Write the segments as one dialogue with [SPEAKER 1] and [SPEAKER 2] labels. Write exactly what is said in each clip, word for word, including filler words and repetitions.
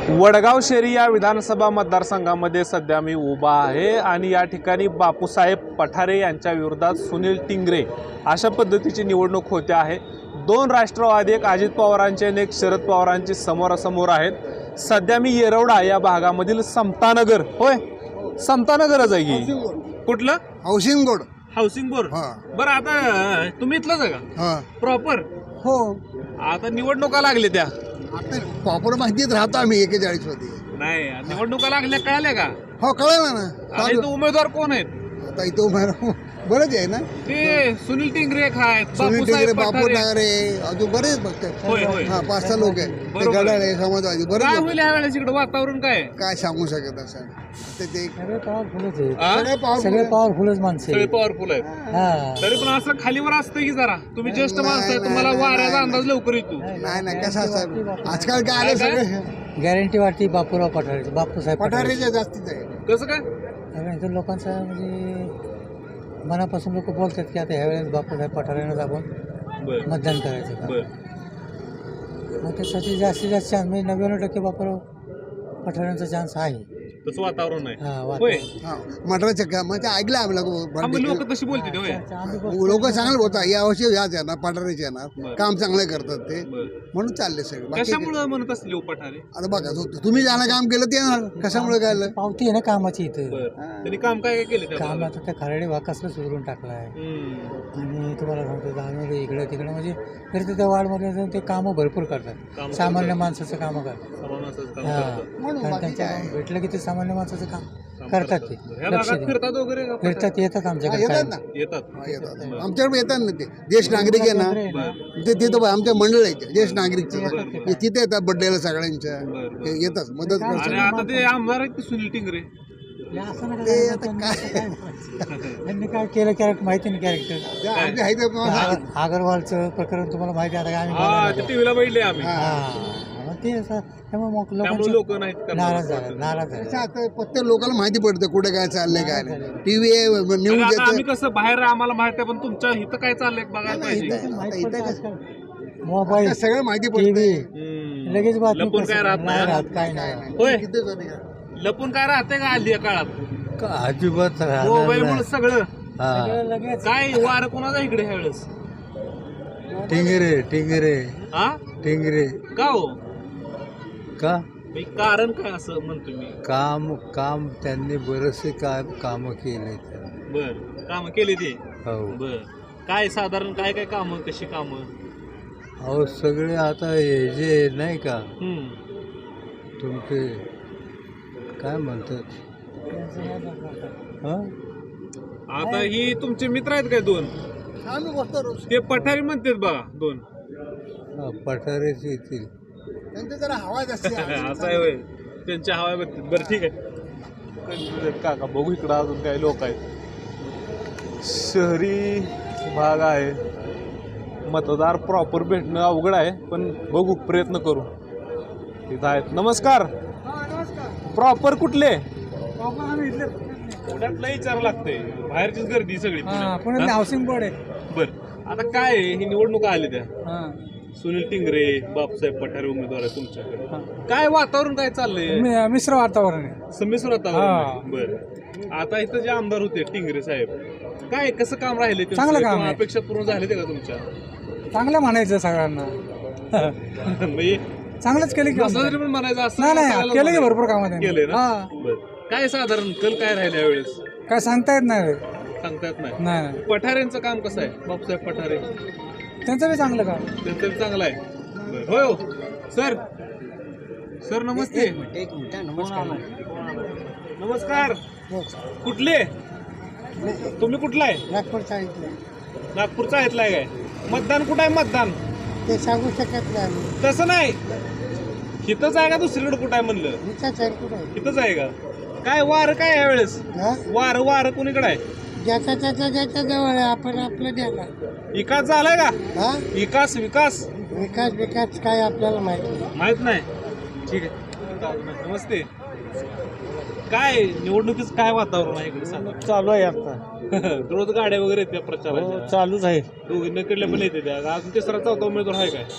[SPEAKER 1] वडगाव शेरी या विधानसभा मतदारसंघामध्ये सध्या मी उभा आहे आणि या ठिकाणी बापूसाहेब पठारे यांच्या विरोधात सुनील टिंगरे अशा पद्धतीची निवडणूक होते आहे। दोन राष्ट्रवादी, एक अजित पवारांचे आणि एक शरद पवारांचे समोरासमोर आहेत। सध्या मी येरवडा या भागामधील समतानगर, होय समतानगरच आहे की कुठलं
[SPEAKER 2] हाऊसिंग बोर्ड
[SPEAKER 1] हाऊसिंग बोर्ड। बरं, आता तुम्ही इथलंच आहे का प्रॉपर?
[SPEAKER 2] हो,
[SPEAKER 1] आता निवडणुका लागल्या त्या
[SPEAKER 2] आता प्रॉपर माहितीत राहतो आम्ही एकेचाळीस मध्ये।
[SPEAKER 1] नाही, निवडणुका लागल्या कळाल्या का?
[SPEAKER 2] हो, कळलं ना।
[SPEAKER 1] आता इथं उमेदवार कोण आहेत?
[SPEAKER 2] आता इथं उमेदवार बरेच आहे ना,
[SPEAKER 1] ते सुनील टिंगरे आहेत,
[SPEAKER 2] सुनील टिंगरे,
[SPEAKER 1] बापूसाहेब
[SPEAKER 2] बापू
[SPEAKER 1] पठारे.
[SPEAKER 2] ठाकरे, अजून बरेच बघतात।
[SPEAKER 1] होय होय
[SPEAKER 2] हा, पाच सहा लोक आहेत, ते
[SPEAKER 1] बरोबर आहे.
[SPEAKER 2] गडाळे, समाजवादी
[SPEAKER 1] काय
[SPEAKER 2] बरेच लोक.
[SPEAKER 1] होईल यावेळेस इकडे वातावरण काय आहे?
[SPEAKER 2] काय सांगू शकत असं आता ते
[SPEAKER 3] सगळे पॉवरफुलच आहे.
[SPEAKER 1] आ?
[SPEAKER 2] सगळे powerful
[SPEAKER 3] सगळे
[SPEAKER 2] आहे.
[SPEAKER 3] पॉवरफुलच माणसं
[SPEAKER 1] सगळे
[SPEAKER 3] आहे.
[SPEAKER 1] पॉवरफुल आहेत,
[SPEAKER 3] हा.
[SPEAKER 1] तरी पण असं खालीवर असतं की जरा तुम्ही ज्येष्ठ
[SPEAKER 2] नाही,
[SPEAKER 1] माणसं आहे,
[SPEAKER 2] नाही,
[SPEAKER 1] तुम्हाला
[SPEAKER 2] नाही,
[SPEAKER 1] वाऱ्याचा
[SPEAKER 2] नाही,
[SPEAKER 1] अंदाज लवकर येतो।
[SPEAKER 2] नाही नाही कसं असतं आजकाल काय आलं
[SPEAKER 1] काय?
[SPEAKER 2] सगळे
[SPEAKER 3] गॅरंटी वाटते बापूराव पठारे, बापूसाहेब पठारे.
[SPEAKER 2] पठारेच्या जास्तीच आहे।
[SPEAKER 1] कसं काय?
[SPEAKER 3] कारण इथं लोकांचं म्हणजे मनापासून लोक बोलतात की आता ह्यावेळेस बापूसाहेब पठारेनंच आपण
[SPEAKER 1] बर
[SPEAKER 3] मतदान करायचं का.
[SPEAKER 1] बर
[SPEAKER 3] मग त्यासाठी जास्तीत जास्त चान्स म्हणजे नव्याण्णव टक्के बापूराव पठारेंचा चान्स आहे.
[SPEAKER 1] तसं वातावरण आहे,
[SPEAKER 3] हा,
[SPEAKER 1] होय.
[SPEAKER 3] वातावरण.
[SPEAKER 2] हा, मटराच्या का म्हणजे ऐकलं
[SPEAKER 1] हा, मग
[SPEAKER 2] आम्ही
[SPEAKER 1] लोक तशी बोलते होय.
[SPEAKER 2] लोक चांगले बोलतात या वर्षी याच येणार पठारेचे येणार,
[SPEAKER 1] बरं.
[SPEAKER 2] काम चांगले करतात ते,
[SPEAKER 1] बर,
[SPEAKER 2] म्हणून चालले सगळे बाकी काय.
[SPEAKER 1] कशामुळे म्हणत असतील हो पठारे?
[SPEAKER 2] आता बघा तु- तुम्ही ज्याला काम केलं ते येणार, कशामुळे काय आलं?
[SPEAKER 3] पावती आहे ना कामाची इथं.
[SPEAKER 1] बर, त्यांनी काम काय काय केलं त्या
[SPEAKER 3] काम
[SPEAKER 1] भागात?
[SPEAKER 3] आता त्या खराडे वाकासला सुधरून टाकलं आहे.
[SPEAKER 1] हम्म.
[SPEAKER 3] आणि तुम्हाला सांगतो जाणवलं इकडे तिकडे म्हणजे फिरते त्या वार्डमध्ये जाऊन ते कामं भरपूर करतात.
[SPEAKER 1] कामं
[SPEAKER 3] सामान्य
[SPEAKER 1] करतात.
[SPEAKER 3] माणसाचं कामं करतात.
[SPEAKER 1] समानाचंच काम
[SPEAKER 3] हा.
[SPEAKER 1] करतात.
[SPEAKER 2] म्हणून
[SPEAKER 3] कारण
[SPEAKER 2] बाकी
[SPEAKER 3] त्यांच्या
[SPEAKER 2] काय.
[SPEAKER 3] भेटलं की ते सामान्य माणसाचं काम
[SPEAKER 1] काम
[SPEAKER 3] करतात ते.
[SPEAKER 1] ह्या
[SPEAKER 3] लक्ष
[SPEAKER 1] भागात
[SPEAKER 3] देऊन.
[SPEAKER 1] फिरतात वगैरे का पठारे?
[SPEAKER 3] फिरतात, येतात
[SPEAKER 2] हा,
[SPEAKER 3] आमच्याकडे
[SPEAKER 2] येतात
[SPEAKER 3] कायम.
[SPEAKER 2] ना,
[SPEAKER 1] येतात.
[SPEAKER 2] हा, येतात आमच्याकडे येतात ना ते ज्येष्ठ नागरिक आहे ना,
[SPEAKER 1] बर
[SPEAKER 2] ते तिथं आमच्या मंडळ आहे ज्येष्ठ नागरिकचे,
[SPEAKER 1] बरं.
[SPEAKER 2] ते तिथे येतात बड्डेला सगळ्यांच्या,
[SPEAKER 1] बरं, बरं.
[SPEAKER 2] ते येतात मदत
[SPEAKER 1] आणि
[SPEAKER 2] करतात।
[SPEAKER 1] आता ते आमदार आहेत की सुनील टिंगरे?
[SPEAKER 3] हे असं नका
[SPEAKER 2] ते
[SPEAKER 3] सांगू,
[SPEAKER 2] आता
[SPEAKER 3] त्यांनी
[SPEAKER 2] काय-
[SPEAKER 3] काय बोलायचं. त्यांनी काय केलं कॅरेक्टर माहिती नाही. कॅरेक्टर
[SPEAKER 2] ते आमचे आहे ते तुम्हाला सांगतो.
[SPEAKER 3] अगरवालचं प्रकरण तुम्हाला माहिती आहे आता काय आम्ही
[SPEAKER 1] हा,
[SPEAKER 3] बोलायला
[SPEAKER 1] ते
[SPEAKER 3] नको.
[SPEAKER 1] टीव्हीला बघितले आम्ही,
[SPEAKER 2] हा.
[SPEAKER 3] हा, मग ते असं त्यामुळे मग
[SPEAKER 1] त्यामुळे
[SPEAKER 3] लोकांचे
[SPEAKER 1] लोक नाहीत करणार.
[SPEAKER 3] नाराज झाले नाराज झाले.
[SPEAKER 2] कसं आता प्रत्येक लोकांना माहिती पडतं कुठे काय चाललंय काय नाही, टीव्ही
[SPEAKER 1] आणि
[SPEAKER 2] न्यूज
[SPEAKER 1] आता आम्ही
[SPEAKER 2] येतं.
[SPEAKER 1] कसं बाहेर आम्हाला माहिती आहे, पण तुमच्या इथं काय चाललंय बघायला
[SPEAKER 2] नाही,
[SPEAKER 1] पाहिजे.
[SPEAKER 2] इथं-
[SPEAKER 3] माहित
[SPEAKER 2] आता
[SPEAKER 3] पडतं
[SPEAKER 2] इथं
[SPEAKER 3] आजकाल.
[SPEAKER 2] आता
[SPEAKER 3] मोबाईल,
[SPEAKER 2] सगळं माहिती
[SPEAKER 3] टीव्ही,
[SPEAKER 2] पडतं.
[SPEAKER 1] हम्म.
[SPEAKER 3] लगेच बातमी
[SPEAKER 1] लपून
[SPEAKER 3] कसं-
[SPEAKER 1] काय राहत
[SPEAKER 3] नाही
[SPEAKER 1] नाही.
[SPEAKER 3] राहत, काय नाही.
[SPEAKER 1] होय.
[SPEAKER 2] किती जण आहे?
[SPEAKER 1] लपून काय राहते का हल्ली या काळात?
[SPEAKER 3] अजिबात
[SPEAKER 1] मोबाईल मुळे सगळं
[SPEAKER 3] सगळं लगेच.
[SPEAKER 1] काय वार कोणाचा इकडे ह्या वेळेस?
[SPEAKER 3] टिंगरे टिंगरे
[SPEAKER 1] हा,
[SPEAKER 3] टिंगरे
[SPEAKER 1] का हो?
[SPEAKER 3] का
[SPEAKER 1] मी कारण काय असं म्हणतो मी?
[SPEAKER 3] काम काम त्यांनी बरेचसे काम कामं केले.
[SPEAKER 1] बर, काम केले ते.
[SPEAKER 3] हो,
[SPEAKER 1] बर, काय साधारण काय काय काम, कशी काम?
[SPEAKER 3] अहो सगळे आता हे जे नाही का
[SPEAKER 1] हम्म.
[SPEAKER 3] तुमचे काय म्हणतात हं?
[SPEAKER 1] आता ही तुमचे मित्र आहेत काय दोन?
[SPEAKER 2] आम्ही बसतो रोज.
[SPEAKER 1] ते पठारी म्हणतात बघा दोन.
[SPEAKER 3] हा, पठारेच येतील.
[SPEAKER 2] त्यांची जरा हवा जास्त आहे.
[SPEAKER 1] असं आहे होय, त्यांच्या हवा बघतात. बरं, ठीक आहे. Confused आहेत काका, बघू इकडं अजून काही लोक आहेत. शहरी भाग आहे, मतदार प्रॉपर भेटणं अवघड आहे, पण बघू, प्रयत्न करू. तिथं आहेत. नमस्कार, प्रॉपर कुठले? पुण्यातलं विचार लागते, बाहेरचीच गर्दी सगळी पुण्यात.
[SPEAKER 3] हाऊसिंग बोर्ड आहे.
[SPEAKER 1] बर, आता काय आहे, ही निवडणुका आली त्या, सुनील टिंगरे, बापूसाहेब पठारे उमेदवार आहे तुमच्याकडे. काय वातावरण काय चाललंय?
[SPEAKER 3] मिश्र वातावरण आहे.
[SPEAKER 1] संमिश्र वातावरण. बर, आता इथं जे आमदार होते टिंगरे साहेब, काय कसं काम राहिले त्यांचं?
[SPEAKER 3] चांगलं काम
[SPEAKER 1] किंवा
[SPEAKER 3] आहे.
[SPEAKER 1] अपेक्षा पूर्ण झाले ते का तुमच्या?
[SPEAKER 3] चांगलं म्हणायचं सगळ्यांना.
[SPEAKER 1] म्हणजे
[SPEAKER 3] चांगलंच केलं की
[SPEAKER 1] असं जरी पण म्हणायचं असं
[SPEAKER 3] नाही नाही
[SPEAKER 1] सांगायला
[SPEAKER 3] केलं की
[SPEAKER 1] नको.
[SPEAKER 3] भरपूर कामं
[SPEAKER 1] केलंय ना?
[SPEAKER 3] हा.
[SPEAKER 1] बर, काय साधारण कल काय राहिले यावेळेस
[SPEAKER 3] काय सांगता येत नाही.
[SPEAKER 1] सांगता येत नाही.
[SPEAKER 3] नाही नाही.
[SPEAKER 1] पठारेंचं काम कसं आहे? बापूसाहेब पठारे
[SPEAKER 3] त्यांचं बी चांगलं काम.
[SPEAKER 1] त्यांचं बी चांगलं आहे. बरं. होय हो सर, सर नमस्ते.
[SPEAKER 3] एक मिनिट नमस्कार.
[SPEAKER 1] नमस्कार, कुठले तुम्ही? कुठला आहे?
[SPEAKER 3] नागपूरचा इथलं.
[SPEAKER 1] नागपूरचा आहेतला आहे काय? मतदान कुठं आहे? मतदान
[SPEAKER 3] ते सांगू शकत नाही.
[SPEAKER 1] तसं नाही, इथंच आहे का दुसरीकडे कुठं आहे म्हणलं?
[SPEAKER 3] इथंच आहे कुठं.
[SPEAKER 1] इथंच आहे का? काय वार काय यावेळेस? वार वार कुणीकडे आहे?
[SPEAKER 3] ज्याचा त्याचा ज्याच्या जवळ आहे, आपण आपलं द्यायला.
[SPEAKER 1] विकास झालाय का?
[SPEAKER 3] हा,
[SPEAKER 1] विकास विकास
[SPEAKER 3] विकास विकास काय आपल्याला माहिती नाही.
[SPEAKER 1] माहित नाही. ठीक आहे, नमस्ते. काय निवडणुकीच काय वातावरण आहे इकडे सांगा?
[SPEAKER 3] चालू आहे आता.
[SPEAKER 1] रोज गाड्या वगैरे येत्या प्रचाराच्या?
[SPEAKER 3] चालूच आहे.
[SPEAKER 1] दोघींकडल्या पण येते त्या. अजून तिसरा चौथा उमेदवार आहे काय?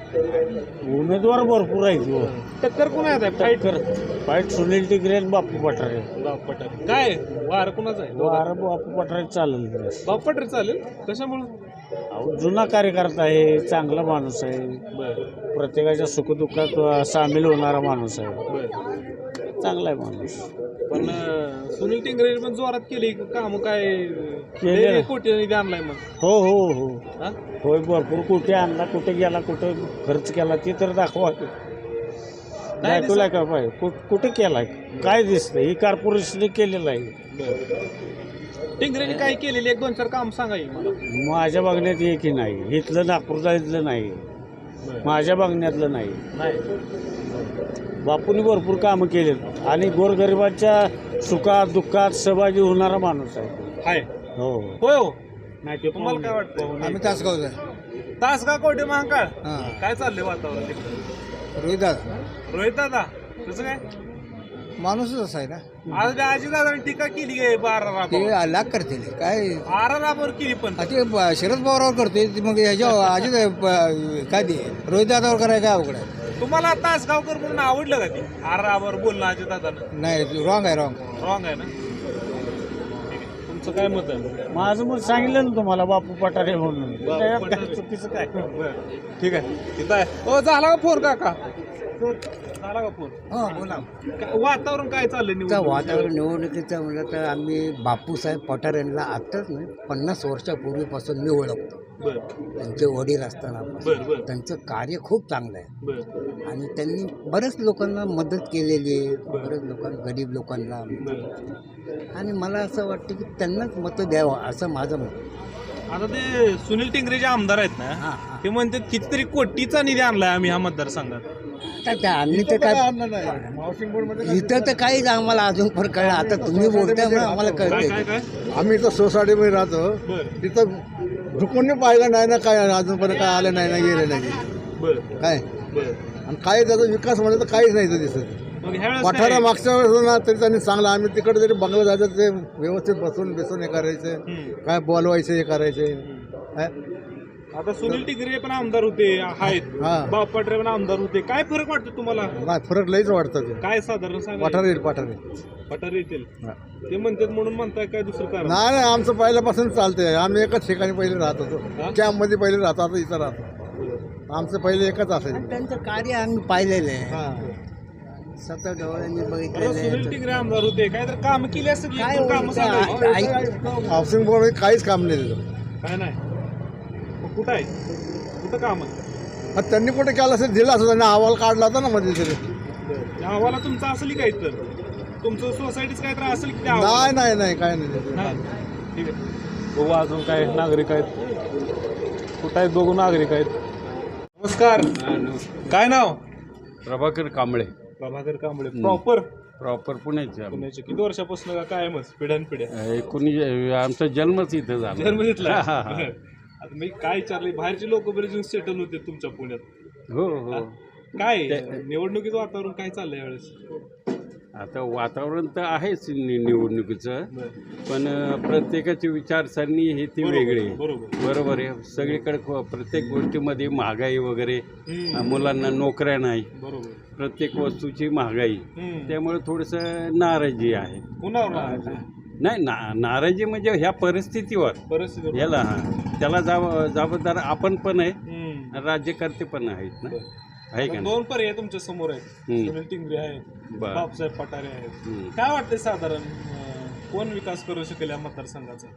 [SPEAKER 4] उमेदवार भरपूर आहेत.
[SPEAKER 1] टक्कर कोण आहे फाईट कर
[SPEAKER 4] फाईट सुनील टिंगरे आणि बापू पठारे.
[SPEAKER 1] बाप पठारे काय वार कोणाचं आहे
[SPEAKER 4] वार बापू पठारे चालेल.
[SPEAKER 1] बाप पठारे चालेल कशामुळे
[SPEAKER 4] अहो, जुना कार्यकर्ता आहे, चांगला माणूस आहे,
[SPEAKER 1] बर
[SPEAKER 4] प्रत्येकाच्या सुखदुःखात सामील होणारा माणूस आहे,
[SPEAKER 1] बर
[SPEAKER 4] चांगला आहे माणूस.
[SPEAKER 1] पण अं, सुनील टिंगरे पण जोरात केली काम काय
[SPEAKER 4] केले.
[SPEAKER 1] लय कोटी निधी आणलाय मग
[SPEAKER 4] हो हो हो
[SPEAKER 1] हा?
[SPEAKER 4] होय, भरपूर कुठे आणला, कुठे गेला, कुठे खर्च केला ते तर दाखवा. दाखवलाय का पाहिजे कुठ- कुठे केलाय, काय दिसतंय? ही कॉर्पोरेशनने केलेलं आहे.
[SPEAKER 1] बर टिंगरेने काय केलेली एक दोन चार काम सांगा की मला.
[SPEAKER 4] माझ्या बघण्यात एकही नाही, इथलं नागपूरचा इथलं नाही,
[SPEAKER 1] बरं.
[SPEAKER 4] माझ्या बघण्यातलं नाही.
[SPEAKER 1] नाही
[SPEAKER 4] बापूंनी भरपूर कामं केलेत आणि गोरगरिबांच्या सुखात दुःखात सहभागी होणारा माणूस आहे.
[SPEAKER 1] हाय
[SPEAKER 4] हो
[SPEAKER 1] होय हो
[SPEAKER 4] नाही ते
[SPEAKER 1] तुम्हाला काय वाटतं
[SPEAKER 2] आम्ही तासगावच आहे.
[SPEAKER 1] तासगाव कोटे महाकाळ
[SPEAKER 2] हां
[SPEAKER 1] काय चाललंय वातावरण तिकडं?
[SPEAKER 2] रोहित दादा
[SPEAKER 1] रोहित दादा तुझं काय
[SPEAKER 2] माणूसच असा आहे ना,
[SPEAKER 1] आज त्या आजी दादाने टीका केली आहे बारा
[SPEAKER 2] ते
[SPEAKER 1] राबावर
[SPEAKER 2] लाख करतील काय.
[SPEAKER 1] बारा राबावर केली पण
[SPEAKER 2] आ ते ब- शरद पवारावर करतोय ते मग ह्याच्या अजित प- काय ते रोहित दादावर करायला काय अवघड आहे.
[SPEAKER 1] तुम्हाला तासगावकर म्हणून आवडलं का ती आरा राबावर बोलणं अजित दादानं
[SPEAKER 2] नाही रॉंग आहे रॉंग.
[SPEAKER 1] रॉंग आहे ना ठीक आहे. तुमचं काय मत आहे
[SPEAKER 4] माझं मग सांगितलं ना तुम्हाला बापू पठारे म्हणून.
[SPEAKER 1] बापू
[SPEAKER 4] त्याच्यात
[SPEAKER 1] पठारे.
[SPEAKER 4] काय चुकीचं काय?
[SPEAKER 1] बरं ठीक आहे तिथं आहे ओ झाला का फोन काका झाला का फोन
[SPEAKER 5] हो बोला.
[SPEAKER 1] काय- वातावरण काय चाललंय
[SPEAKER 5] त्या
[SPEAKER 1] निवडणुकीचं?
[SPEAKER 5] वातावरण निवडणुकीचं म्हणलं तर आम्ही बापूसाहेब पठारे यांना आत्ताच नाही पन्नास वर्षापूर्वीपासून मी ओळखतो.
[SPEAKER 1] बरं
[SPEAKER 5] त्यांचे वडील असताना
[SPEAKER 1] बरं बरं
[SPEAKER 5] त्यांचं कार्य खूप चांगलं आहे
[SPEAKER 1] बरं
[SPEAKER 5] आणि त्यांनी बऱ्याच लोकांना मदत केलेली आहे, बऱ्याच लोकांना गरीब लोकांना.
[SPEAKER 1] बरं
[SPEAKER 5] आणि मला असं वाटतं की त्यांनाच मतं द्यावं असं माझं मत.
[SPEAKER 1] आता ते सुनील टिंगरे जे आमदार आहेत ना
[SPEAKER 5] हां हां
[SPEAKER 1] ते म्हणतात कितीतरी कोटीचा निधी आणलाय आम्ही ह्या मतदारसंघात.
[SPEAKER 5] आता त्या आम्ही तर काय इथं तर काहीच आम्हाला अजून पण कळलं. आता तुम्ही बोलताय म्हणून आम्हाला
[SPEAKER 1] काय
[SPEAKER 5] कळते.
[SPEAKER 1] काय काय
[SPEAKER 2] आम्ही इथं सोसायटीमध्ये राहतो,
[SPEAKER 1] बरं
[SPEAKER 2] तिथं झुकून पाहिलं नाही ना, काय अजूनपर्यंत काय आलं नाही ना, गेलं नाही
[SPEAKER 1] बरं
[SPEAKER 2] काय.
[SPEAKER 1] बरं
[SPEAKER 2] आणि काही त्याचा विकास म्हणजे तर काहीच नाही इथं दिसत.
[SPEAKER 1] मग ह्या वेळेस
[SPEAKER 2] पठारा
[SPEAKER 1] काय?
[SPEAKER 2] मागच्या वेळेस होतं ना तरी त्यांनी चांगलं, आम्ही तिकडे जरी बंगला जायचं ते व्यवस्थित बसून बेसून हे करायचं,
[SPEAKER 1] हम्म.
[SPEAKER 2] काय बोलवायचं हे करायचे.
[SPEAKER 1] आता सुनील टिंगरे पण आमदार होते आहेत
[SPEAKER 2] हा
[SPEAKER 1] बाप पटरे पण आमदार होते. काय फरक वाटतो तुम्हाला
[SPEAKER 2] नाही फरक लईच वाटतं ते.
[SPEAKER 1] काय साधारण सांगा
[SPEAKER 2] पठारे येईल पठारे.
[SPEAKER 1] पठारे येतील
[SPEAKER 2] हा.
[SPEAKER 1] ते म्हणतात म्हणून म्हणताय काय दुसरं कारण
[SPEAKER 2] नाही नाही आमचं पहिल्यापासून चालतंय. आम्ही एकच ठिकाणी पहिले राहत
[SPEAKER 1] हा?
[SPEAKER 2] होतो, कॅम्पमध्ये पहिले राहतो, आता इथं राहतो. आमचं पहिले एकच असायचं.
[SPEAKER 5] आणि त्यांचं कार्य आम्ही पाहिलेलं आहे,
[SPEAKER 2] हा
[SPEAKER 5] स्वतः डोळ्यांनी
[SPEAKER 1] आता
[SPEAKER 5] बघितलेलं
[SPEAKER 1] सुनील
[SPEAKER 5] आहे.
[SPEAKER 1] टिंगरे आमदार होते काय तर काम केली असतील
[SPEAKER 5] काय
[SPEAKER 1] काम
[SPEAKER 5] होतं?
[SPEAKER 1] सांगा
[SPEAKER 5] आ- ऐक-
[SPEAKER 2] हाऊसिंग बोर्ड काहीच काम नाही दिलं.
[SPEAKER 1] काय नाही मग कुठं आहे कुठं काम आहे
[SPEAKER 2] मग त्यांनी कुठे केलं असेल दिलं असं, त्यांनी अहवाल काढला होता ना मध्ये तरी.
[SPEAKER 1] त्या अहवाला तुमचा असेल काय तर तुमचं सोसायटीच काय तर असेल की त्या अहवालात?
[SPEAKER 2] नाही नाही नाही काय नाही.
[SPEAKER 1] नाही ठीक आहे बघू अजून काय नागरिक आहेत कुठं आहेत बघू नागरिक आहेत. नमस्कार काय नाव
[SPEAKER 4] प्रभाकर कांबळे,
[SPEAKER 1] प्रभाकर कांबळे प्रॉपर
[SPEAKER 4] प्रॉपर पुण्याचे आम्ही.
[SPEAKER 1] पुण्याचे किती वर्षापासून का कायमच पिढ्यान पिढ्या
[SPEAKER 4] एकोणीस आमचा जन्मच इथं झाला.
[SPEAKER 1] जन्म घेतला
[SPEAKER 4] हा, हा, हा.
[SPEAKER 1] आता मी काय विचारले बाहेरचे लोक बरेच सेटल होते तुमच्या पुण्यात
[SPEAKER 4] हो हो
[SPEAKER 1] काय निवडणुकीचं वातावरण काय चाललंय यावेळेस
[SPEAKER 4] आता वातावरण तर आहेच नि- निवडणुकीचं, पण अं, प्रत्येकाची विचारसरणी ही ती
[SPEAKER 1] बरोबर,
[SPEAKER 4] वेगळी आहे.
[SPEAKER 1] बरोबर
[SPEAKER 4] बरोबर आहे. सगळीकडे क- प्रत्येक गोष्टीमध्ये महागाई वगैरे,
[SPEAKER 1] हम्म,
[SPEAKER 4] अं, मुलांना नोकऱ्या नाही,
[SPEAKER 1] बरोबर
[SPEAKER 4] प्रत्येक वस्तूची महागाई,
[SPEAKER 1] हम्म.
[SPEAKER 4] त्यामुळे थोडंसं नाराजी आहे.
[SPEAKER 1] कुणावर नाराज आहे?
[SPEAKER 4] नाही ना, नाराजी म्हणजे ह्या परिस्थितीवर
[SPEAKER 1] परिस्थिती
[SPEAKER 4] याला हा त्याला जाब जबाबदार आपण पण आहे,
[SPEAKER 1] हम्म.
[SPEAKER 4] राज्यकर्ते पण आहेत ना, आहे का नाही?
[SPEAKER 1] दोन पर्याय तुमच्या समोर आहेत
[SPEAKER 4] हम्म.
[SPEAKER 1] सुनील टिंगरे आहेत
[SPEAKER 4] बरं.
[SPEAKER 1] बापसाहेब पठारे आहेत
[SPEAKER 4] हम्म.
[SPEAKER 1] काय वाटतंय साधारण अं, कोण विकास करू शकेल या मतदारसंघाचा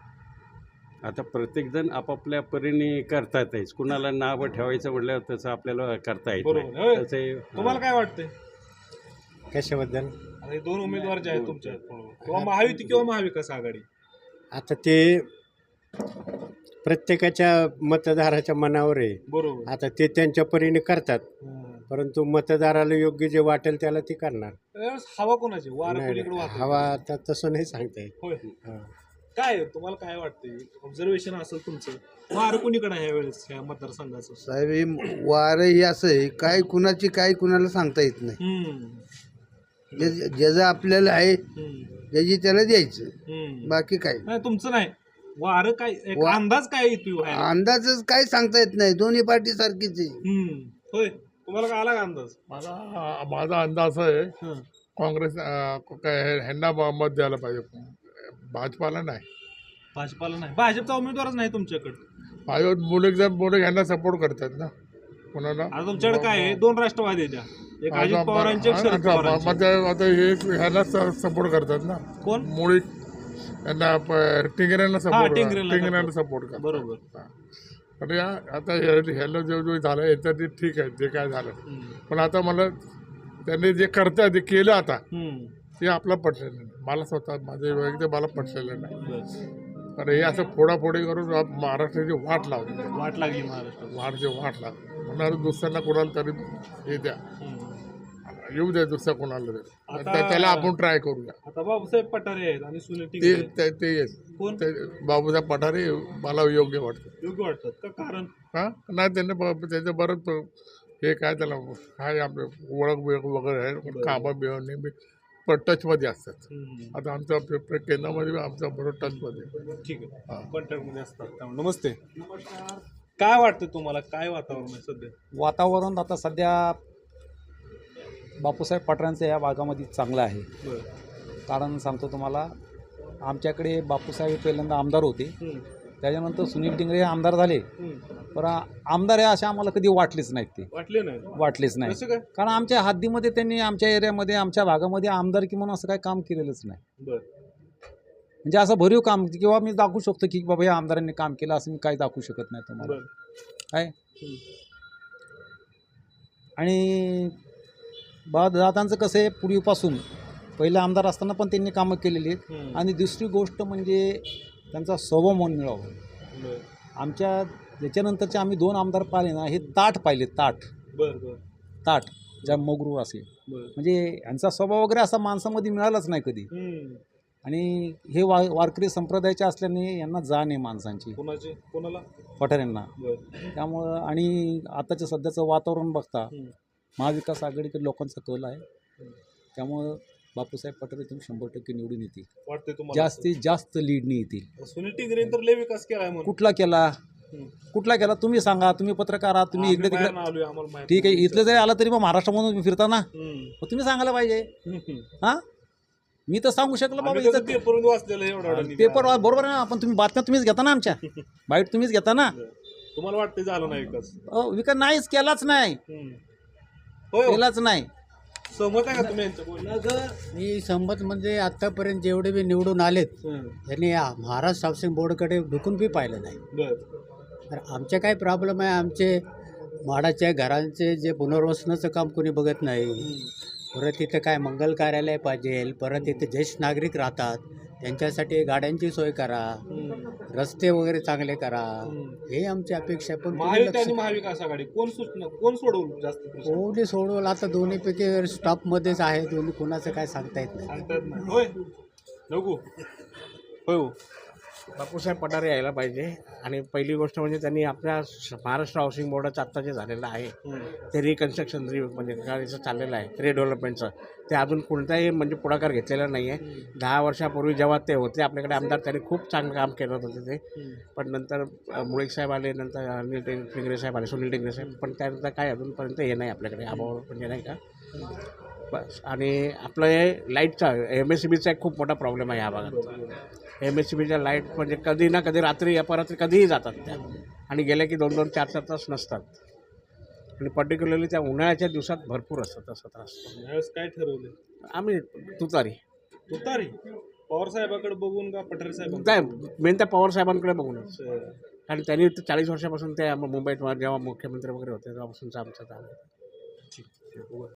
[SPEAKER 4] आता प्रत्येकजण आपापल्या परीने करतात आहेच. कुणाला नावं ठेवायचं म्हटल्यावर तसं आपल्याला करता येत
[SPEAKER 1] बरोबर
[SPEAKER 4] नाही.
[SPEAKER 1] होय.
[SPEAKER 4] तसं हे-
[SPEAKER 1] तुम्हाला काय वाटतंय
[SPEAKER 6] कशाबद्दल?
[SPEAKER 1] आता हे दोन उमेदवार जे आहेत तुमच्या किंवा महायुती किंवा महाविकास आघाडी
[SPEAKER 6] आता ते प्रत्येकाच्या मतदाराच्या मनावर आहे.
[SPEAKER 1] बरोबर
[SPEAKER 6] आता ते त्यांच्या परीने करतात,
[SPEAKER 1] हम्म.
[SPEAKER 6] परंतु मतदाराला योग्य जे वाटेल त्याला ते करणार.
[SPEAKER 1] यावेळेस हवा कोणाची वारं
[SPEAKER 6] नाही,
[SPEAKER 1] कोणीकडे वाहतंय?
[SPEAKER 6] हवा आता तसं नाही सांगता येत.
[SPEAKER 1] होय
[SPEAKER 6] हा.
[SPEAKER 1] काय तुम्हाला काय वाटतंय ऑब्झर्वेशन असेल तुमचं वारं कोणीकडे आहे यावेळेस या मतदारसंघाचं
[SPEAKER 2] साहेब हे वारं हे असं आहे, काय कुणाची काय कुणाला सांगता येत नाही.
[SPEAKER 1] हम्म.
[SPEAKER 2] जे ज्याचं आपल्याला आहे
[SPEAKER 1] हम्म.
[SPEAKER 2] ज्याची त्याला द्यायचं,
[SPEAKER 1] हम्म.
[SPEAKER 2] बाकी काय.
[SPEAKER 1] नाही तुमचं नाही वारं काय एक अंदाज काय येतोय व्हायला?
[SPEAKER 5] अंदाजच काही सांगता येत नाही, दोन्ही पार्टी सारखीच आहे.
[SPEAKER 1] हम्म. होय, तुम्हाला काय आला का अंदाज?
[SPEAKER 7] माझा माझा अंदाज आहे
[SPEAKER 1] हं.
[SPEAKER 7] काँग्रेस अं, काय हे- ह्यांना म- मत द्यायला पाहिजे, भाजपाला नाही.
[SPEAKER 1] भाजपाला नाही, भाजपचा उमेदवारच नाही तुमच्याकडे.
[SPEAKER 7] भाजप मुले जर मुले ह्यांना सपोर्ट करतात ना, कोणाला
[SPEAKER 1] आता तुमच्याकडे काय आहे? दोन राष्ट्रवादी आहेत त्या. एक अजित
[SPEAKER 7] आता-
[SPEAKER 1] पवारांचे, एक शरद
[SPEAKER 7] आता-
[SPEAKER 1] पवारांचे.
[SPEAKER 7] मग ते- आता हे ह्यांना सपोर्ट करतात ना,
[SPEAKER 1] कोण?
[SPEAKER 7] मुळी यांना प- टिंगऱ्यांना सपोर्ट
[SPEAKER 1] टिंगऱ्यांना
[SPEAKER 7] टिंगऱ्यांना सपोर्ट करतात.
[SPEAKER 1] बरोबर.
[SPEAKER 7] आणि या- आता हे- ह्याला जो जो झालं याचं ते ठीक आहे, जे काय झालं,
[SPEAKER 1] हम्म.
[SPEAKER 7] पण आता मला त्यांनी जे करतात ते केलं आता
[SPEAKER 1] हम्म.
[SPEAKER 7] ते आपलं पटलेलं नाही. मला स्वतः माझे वैयक्तिक मला पटलेलं नाही.
[SPEAKER 1] बरं.
[SPEAKER 7] पण हे असं फोडाफोडी करून आप- महाराष्ट्राची वाट लावली,
[SPEAKER 1] वाट लागली महाराष्ट्रात.
[SPEAKER 7] वाटची वाट लागली. म्हणणार दुसऱ्यांना कोणाला तरी हे द्या,
[SPEAKER 1] हम्म.
[SPEAKER 7] येऊ द्या दुसऱ्या कोणाला तरी,
[SPEAKER 1] आता-
[SPEAKER 7] त्या- त्याला आपण ट्राय करूया.
[SPEAKER 1] आता बाबासाहेब पठारे आहेत आणि सुनील
[SPEAKER 7] ते
[SPEAKER 1] टिंगरे
[SPEAKER 7] ते- ते येस.
[SPEAKER 1] कोण
[SPEAKER 7] ते बाबूसाहेब पठारे मला योग्य वाटतं.
[SPEAKER 1] योग्य वाटतात का? कारण
[SPEAKER 7] हां नाही, त्यांनी ब- त्याचं बरंच हे काय त्याला काय आपलं ओळख बिळख वगैरे आहे, कामं बिळं नेहमी पण टचमध्ये असतात.
[SPEAKER 1] हम्म.
[SPEAKER 7] आता आमच्या पे- पे- केंद्रामध्ये बी आमच्या बरोबर टचमध्ये.
[SPEAKER 1] ठीक आहे, कॉन्टॅक्टमध्ये असतात त्यामुळे. नमस्ते. काय वाटतं तुम्हाला? काय वातावरण आहे सध्या?
[SPEAKER 8] वातावरण आता सध्या बापूसाहेब पठारेंचं या भागामध्ये चांगलं आहे.
[SPEAKER 1] बरं.
[SPEAKER 8] कारण सांगतो तुम्हाला, आमच्याकडे बापूसाहेब पहिल्यांदा आमदार होते,
[SPEAKER 1] हम्म.
[SPEAKER 8] त्याच्यानंतर सुनील टिंगरे हे आमदार झाले,
[SPEAKER 1] हम्म.
[SPEAKER 8] पण आमदार हे असे आम्हाला कधी वाटलेच नाहीत, ते
[SPEAKER 1] वाटले नाही?
[SPEAKER 8] वाटलेच नाही.
[SPEAKER 1] कसं काय?
[SPEAKER 8] कारण आमच्या हद्दीमध्ये त्यांनी आमच्या एरियामध्ये आमच्या भागामध्ये आमदारकी म्हणून असं काही काम केलेलंच नाही.
[SPEAKER 1] बरं.
[SPEAKER 8] म्हणजे असं भरीव काम किंवा मी दाखवू शकतो की बाबा या आमदारांनी काम केलं असं मी काही दाखवू शकत नाही तुम्हाला.
[SPEAKER 1] बरं.
[SPEAKER 8] काय
[SPEAKER 1] हम्म.
[SPEAKER 8] आणि बा दादांचं कसं आहे, पूर्वीपासून पहिले आमदार असताना पण त्यांनी कामं केलेली आहेत.
[SPEAKER 1] हम्म.
[SPEAKER 8] आणि दुसरी गोष्ट म्हणजे त्यांचा स्वभाव मन मिळावा.
[SPEAKER 1] बरं.
[SPEAKER 8] आमच्या याच्यानंतरचे आम्ही दोन आमदार पाहिले ना, हे ताट पाहिले, ताट
[SPEAKER 1] बरं. बरं.
[SPEAKER 8] ताट ज्या मगरूर असे,
[SPEAKER 1] बरं.
[SPEAKER 8] म्हणजे यांचा स्वभाव वगैरे असा माणसामध्ये मिळालाच नाही कधी.
[SPEAKER 1] हम्म.
[SPEAKER 8] आणि हे वा वारकरी संप्रदायाचे असल्याने यांना जाण आहे माणसांची,
[SPEAKER 1] कोणाचे? कोणाला?
[SPEAKER 8] पठारेंना.
[SPEAKER 1] बरं.
[SPEAKER 8] त्यामुळं आणि आताच्या सध्याचं वातावरण बघता
[SPEAKER 1] हम्म.
[SPEAKER 8] महाविकास आघाडीकडे लोकांचा कल आहे. त्यामुळं बापूसाहेब पठारे तुम्ही शंभर टक्के निवडून येतील,
[SPEAKER 1] वाटतंय तुम्हाला?
[SPEAKER 8] जास्तीत जास्त लीडने येतील.
[SPEAKER 1] सुनील टिंगरे तर लय विकास केलाय म्हणून.
[SPEAKER 8] कुठला केला,
[SPEAKER 1] हम्म.
[SPEAKER 8] कुठला केला तुम्ही सांगा. तुम्ही पत्रकार आहात, तुम्ही इकडे
[SPEAKER 1] आम्ही
[SPEAKER 8] तिकडे,
[SPEAKER 1] बाहेरनं आलोय, आम्हाला माहिती
[SPEAKER 8] ठीक आहे,
[SPEAKER 1] नाही.
[SPEAKER 8] इथलं जरी आलं तरी मग महाराष्ट्रामधून तुम्ही फिरता ना,
[SPEAKER 1] हम्म.
[SPEAKER 8] मग तुम्ही सांगायला पाहिजे.
[SPEAKER 1] हम्म.
[SPEAKER 8] हां, मी तर सांगू शकलो बाबा.
[SPEAKER 1] आम्ही कसं
[SPEAKER 8] इथं
[SPEAKER 1] पेपरमध्ये वाचलेलं आहे एवढा एवढा
[SPEAKER 8] पेपर बरोबर आहे ना, पण तुम्ही बातम्या तुम्हीच घेता ना, आमच्या बाईट तुम्हीच घेता ना.
[SPEAKER 1] तुम्हाला वाटतं झालं नाही विकास?
[SPEAKER 8] अहो, विकास नाहीच केलाच नाही,
[SPEAKER 1] हम्म. होय हो.
[SPEAKER 8] केलाच नाही.
[SPEAKER 1] सहमत आहे का तुम्ही यांच्या बोलण्यात?
[SPEAKER 5] मी संमत म्हणजे आत्तापर्यंत जेवढे बी निवडून आलेत
[SPEAKER 1] हम्म.
[SPEAKER 5] त्यांनी महाराष्ट्र हाऊसिंग बोर्डकडे ढुकून बी पाहिलं नाही.
[SPEAKER 1] बरं.
[SPEAKER 5] तर आमचे काय प्रॉब्लेम आहे, आमचे म्हाडाच्या घरांचे जे पुनर्वसनाचं काम कोणी बघत नाही. परत तिथं काय मंगल कार्यालय पाहिजे, परत तिथे ज्येष्ठ नागरिक राहतात त्यांच्यासाठी गाड्यांची सोय करा, रस्ते वगैरे चांगले करा, हे आमची अपेक्षा आहे. पण कोणी
[SPEAKER 1] महायुती आणि
[SPEAKER 5] लक्ष-
[SPEAKER 1] महाविकास आघाडी कोण सूचना कोण सोडवलं जास्त प्रश्न?
[SPEAKER 5] कोणी सोडवलं आता दोन्हीपैकी स्टॉपमध्येच आहे, दोन्ही कोणाचं काय सांगता येत नाही.
[SPEAKER 1] सांगता येत नाही. होय नको. होय हो.
[SPEAKER 9] बापूसाहेब पठारे यायला पाहिजे. आणि पहिली गोष्ट म्हणजे त्यांनी आपल्या श- महाराष्ट्र हाऊसिंग बोर्डाचं आत्ता जे झालेलं आहे
[SPEAKER 1] हम्म.
[SPEAKER 9] ते रिकन्स्ट्रक्शन रि म्हणजे गाडीचं चाललेलं आहे रिडेव्हलपमेंटचं, ते अजून कोणताही म्हणजे पुढाकार घेतलेला नाही आहे. दहा वर्षापूर्वी जेव्हा ते होते आपल्याकडे आमदार, त्यांनी खूप चांगलं काम केलं होतं ते. पण नंतर अ, मुळीक साहेब आले, नंतर अनिल टिंग टिंगरे साहेब आले, सुनील टिंगरे साहेब, पण त्यानंतर काय अजूनपर्यंत हे नाही आपल्याकडे अभाव म्हणजे नाही का. बस. आणि आपलं हे लाईटचा एम एस सी बीचा एक खूप मोठा प्रॉब्लेम आहे ह्या भागात. एम एस सी बीच्या लाईट म्हणजे कधी ना कधी रात्री अपरात्री कधीही जातात त्या, आणि गेल्या की दोन दोन चार चार तास नसतात. आणि पर्टिक्युलरली त्या उन्हाळ्याच्या दिवसात भरपूर असतात तसा त्रास.
[SPEAKER 1] यावेळेस काय ठरवलं?
[SPEAKER 9] आम्ही तुतारी
[SPEAKER 1] तुतारी पवार साहेबाकडे बघून का पठारे साहेब?
[SPEAKER 9] काय मेन त्या पवार साहेबांकडे बघूनच. कारण त्यांनी चाळीस वर्षापासून ते मुंबईत जेव्हा मुख्यमंत्री वगैरे होते तेव्हापासूनचं आमचं चालू आहे.